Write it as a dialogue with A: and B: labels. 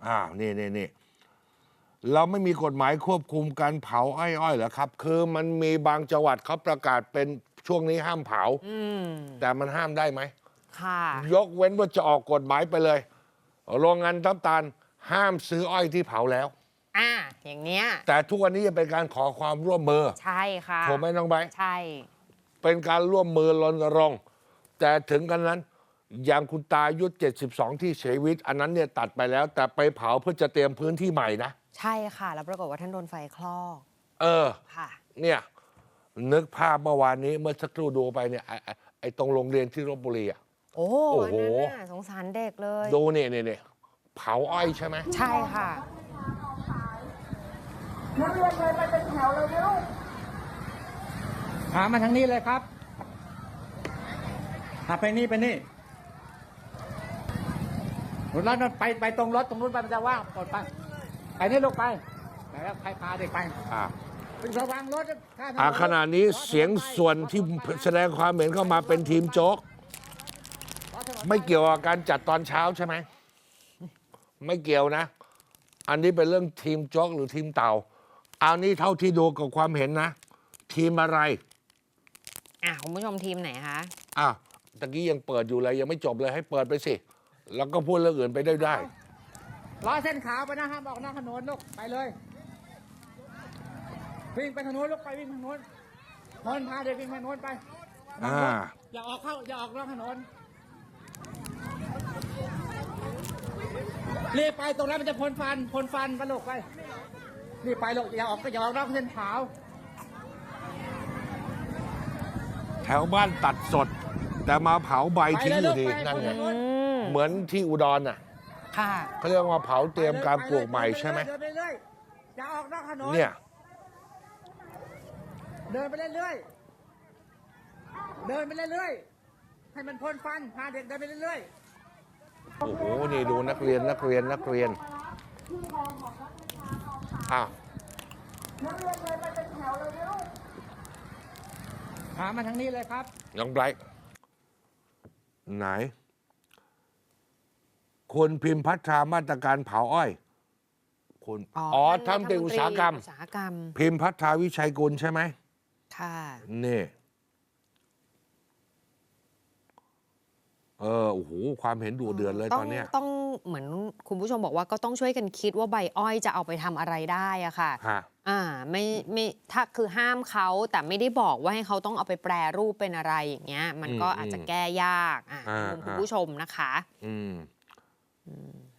A: นี่เราไม่มีกฎหมายควบคุมการเผาอ้อยเหรอครับคือมันมีบางจังหวัดเขาประกาศเป็นช่วงนี้ห้ามเผาแต่มันห้ามได้ไหม
B: ค่ะ
A: ยกเว้นว่าจะออกกฎหมายไปเลยโรงงานน้ำตาลห้ามซื้ออ้อยที่เผาแล้ว
B: อย่างเนี้ย
A: แต่ทุกวันนี้จะเป็นการขอความร่วมมือ
B: ใช่ค่ะ
A: ถูกไหมน้องใบ
B: ใช่
A: เป็นการร่วมมือรณรงค์แต่ถึงกันนั้นอย่างคุณตาอายุ72ที่เสียชีวิตอันนั้นเนี่ยตัดไปแล้วแต่ไปเผาเพื่อจะเตรียมพื้นที่ใหม่นะ
B: ใช่ค่ะแล้วปรากฏว่าท่านโดนไฟคลอกค่ะ
A: เนี่ยนึกภาพเมื่อวานนี้เมื่อสักครู่ดูไปเนี่ยไอ้ตรงโรงเรียนที่ลพบุรี
B: โอ้โหสงสารเด็กเลย
A: ดูเนี่ยเผาอ้อยใช่ไหม
B: ใช่ค่ะ
C: นักเรียนเลยไปเป็นแถวเลยนะลูก
D: มาทางนี้เลยครับไปนี่รถไปตรงรถตรงนู้นไปมันจะว่างกดไปนี่ลูกไปแล้วใครพาเด็กไประวังรถ
A: ขณะนี้เสียงส่วนที่แสดงความเห็นเข้ามาเป็นทีมโจ๊กไม่เกี่ยวกับการจัดตอนเช้าใช่ไหมไม่เกี่ยวนะอันนี้เป็นเรื่องทีมโจ๊กหรือทีมเต่าเอานี่เท่าที่ดูกับความเห็นนะทีมอะไร
B: คุณผู้ชมทีมไหนคะ
A: ตะกี้ยังเปิดอยู่เลยยังไม่จบเลยให้เปิดไปสิแล้วก็พูดเรื่องอื่นไปได้
D: ล้อเส้นขาวไปนะห้ามออกนอกถนนลูกไปเลยวิ่งไปถนนลูกไปวิ่งถนนพาเด็กวิ่งถนนไปอย่าออกนอกถนนรีบไปตรงนั้นมันจะพ่นฟันไปลูกไปรีบไปลูกอย่าออกนอกเส้นขาว
A: แถวบ้านตัดสดแต่มาเผาใบทิ้งอยู่ดีนั่นไงเหมือนที่อุดร
B: ค่ะ
A: เขาเรียกว่าเผาเตรียมการปลูกใหม่ใช่ไหม
D: อย่าออกนอกถนน
A: เนี่ย
D: เดินไปเรื่อยๆให้มันพ่นฟันพาเด็กเดินไปเรื่อย
A: ๆโอ้โหนี่ดูนักเรียน
C: นักเรียนเลยไปเป็นแถวเลยนะลูก
D: มาทางนี้เลยครับ
A: น้องไบรท์ไหนคุณพิมพ์พัฒนามาตรการเผาอ้อยคุณทำเป็นอุตสาหกรรมพิมพ์พัฒนาวิชัยกุลใช่ไหม
B: ค่ะ
A: นี่โอ้โหความเห็นดุเดือดเลยตอนนี้
B: ต้องเหมือนคุณผู้ชมบอกว่าก็ต้องช่วยกันคิดว่าใบอ้อยจะเอาไปทำอะไรได้อะค่ะไม่ถ้าคือห้ามเขาแต่ไม่ได้บอกว่าให้เขาต้องเอาไปแปรรูปเป็นอะไรอย่างเงี้ยมันก็อาจจะแก้ยากคุณผู้ชมนะคะ